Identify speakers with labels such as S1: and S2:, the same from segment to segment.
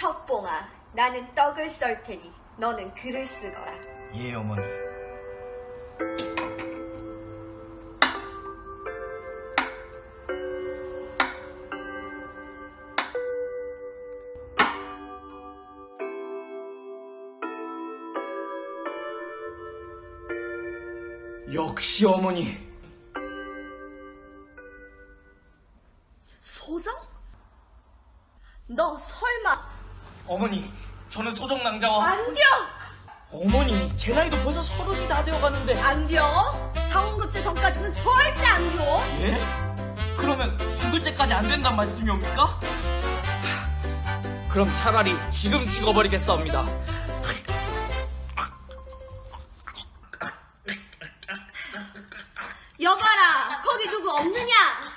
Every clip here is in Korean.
S1: 석봉아, 나는 떡을 썰 테니 너는 글을 쓰거라.
S2: 예, 어머니. 역시 어머니.
S1: 소정? 너 설마...
S2: 어머니, 저는 소정 낭자와...
S1: 안 돼!
S2: 어머니, 제 나이도 벌써 30이 다 되어가는데...
S1: 안 돼! 장원급제 전까지는 절대 안 돼!
S2: 예? 그러면 죽을 때까지 안 된단 말씀이옵니까? 그럼 차라리 지금 죽어버리겠사옵니다.
S1: 여봐라! 거기 누구 없느냐?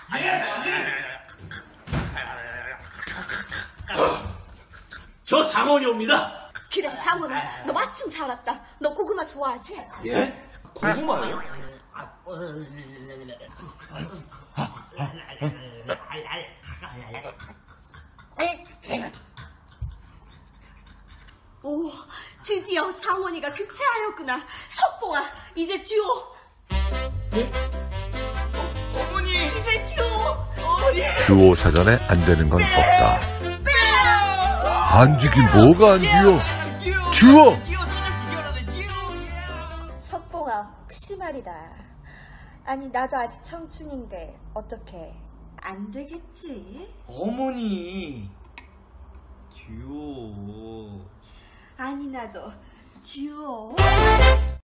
S3: 저 장원이옵니다.
S1: 그래, 장원아, 너 마침 잘 왔다. 너 고구마 좋아하지?
S3: 예? 고구마요?
S1: 오, 드디어 장원이가 극체하였구나. 석봉아, 이제 듀오.
S2: 예? 어머니!
S1: 이제 듀오.
S2: 어머니!
S4: 듀오 사전에 안 되는 건 없다. 안 죽긴 뭐가 안 듀오? 듀오!
S1: 석봉아, 혹시 말이다. 아니, 나도 아직 청춘인데 어떻게 안 되겠지?
S2: 어머니! 듀오...
S1: 아니, 나도 듀오.